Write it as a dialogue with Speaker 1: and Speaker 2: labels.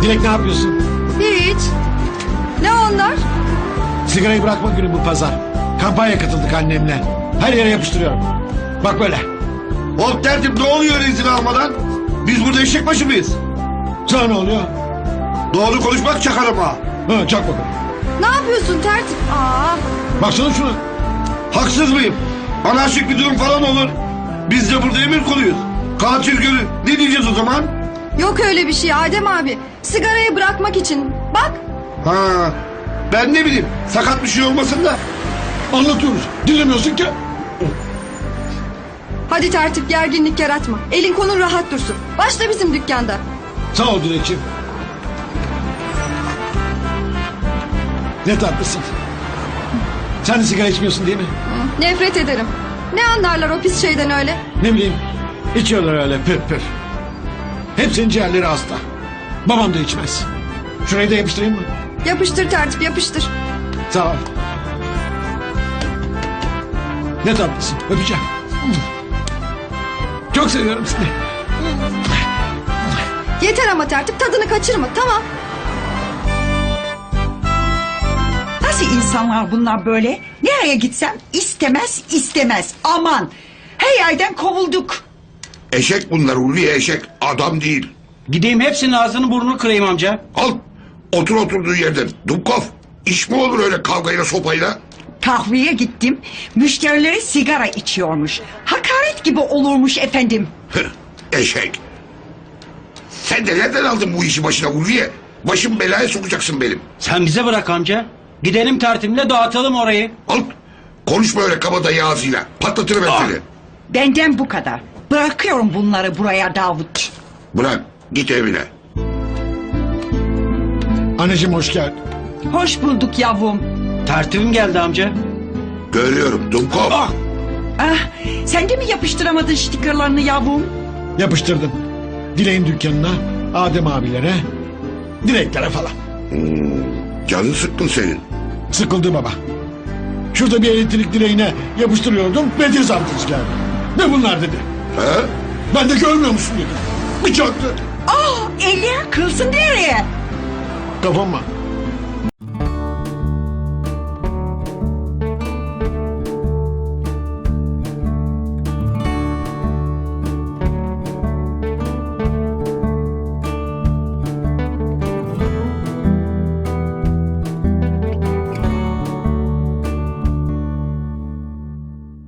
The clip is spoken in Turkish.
Speaker 1: Dilek ne yapıyorsun?
Speaker 2: Hiç. Ne onlar?
Speaker 1: Sigarayı bırakma günü bu pazar. Kampanya katıldık annemle. Her yere yapıştırıyorum. Bak böyle.
Speaker 3: Hop tertip, ne oluyor öyle izin almadan? Biz burada eşek başı mıyız?
Speaker 1: Sana ne oluyor?
Speaker 3: Doğru konuşmak çakarım ha.
Speaker 1: Ha, çak bakalım.
Speaker 2: Ne yapıyorsun tertip? Aa,
Speaker 1: Baksana şuna.
Speaker 3: Haksız mıyım? Anarşik bir durum falan olur. Biz de burada emir kuluyuz. Katil gölü. Ne diyeceğiz o zaman?
Speaker 2: yok öyle bir şey Adem abi. Sigarayı bırakmak için. Bak.
Speaker 3: Ha, ben ne bileyim. Sakat bir şey olmasın da.
Speaker 1: Anlatıyoruz. Dinlemiyorsun ki.
Speaker 2: Hadi tertip, gerginlik yaratma. Elin kolun rahat dursun. Başla bizim dükkanda.
Speaker 1: Sağ ol Dilekçiğim. Ne tatlısın. Sen de sigara içmiyorsun değil mi?
Speaker 2: Nefret ederim. Ne anlarlar o pis şeyden öyle?
Speaker 1: Ne bileyim. İçiyorlar öyle püf püf. Hepsinin ciğerleri hasta. Babam da içmez. Şurayı da yapıştırayım mı?
Speaker 2: Yapıştır tertip, yapıştır.
Speaker 1: Sağ ol. Ne tatlısın. Öpeceğim. Çok seviyorum seni.
Speaker 2: Yeter ama tertip, tadını kaçırma, tamam.
Speaker 4: Nasıl insanlar bunlar böyle? Nereye gitsem istemez istemez. Aman her yerden kovulduk.
Speaker 5: Eşek bunlar Ulviye, eşek. Adam değil.
Speaker 6: Gideyim hepsinin ağzını burnunu kırayım amca.
Speaker 5: Al. Otur oturduğu yerden. Dubkov. İş mi olur öyle kavgayla sopayla?
Speaker 4: Kahveye gittim. Müşterileri sigara içiyormuş. Hakaret gibi olurmuş efendim.
Speaker 5: Hıh, eşek. Sen de nereden aldın bu işi başına Ulviye? Başım belaya sokacaksın benim.
Speaker 6: Sen bize bırak amca. Gidelim tertibimle dağıtalım orayı.
Speaker 5: Al. Konuşma öyle kabadayı ağzıyla. Patlatırım ben seni.
Speaker 4: Benden bu kadar. Bırakıyorum bunları buraya Davut.
Speaker 5: Bırak. Git evine.
Speaker 1: Anneciğim hoş geldin.
Speaker 4: Hoş bulduk yavrum.
Speaker 6: Tertibim geldi amca.
Speaker 5: Görüyorum Dubkov.
Speaker 1: Ah!
Speaker 4: Ah, sen de mi yapıştıramadın stikerlerini yavrum?
Speaker 1: Yapıştırdım. Dilek'in dükkanına, Adem abilere, Dileklere falan.
Speaker 5: Canın sıkkın senin.
Speaker 1: Sıkıldı baba. Şurada bir elektrik direğine yapıştırıyordum. Belediye zabıtası geldi. Ne bunlar dedi.
Speaker 5: He?
Speaker 1: Ben de görmüyor musun dedi. Bir çaktı.
Speaker 4: Ah, eller kılsın nereye?
Speaker 1: Kafama.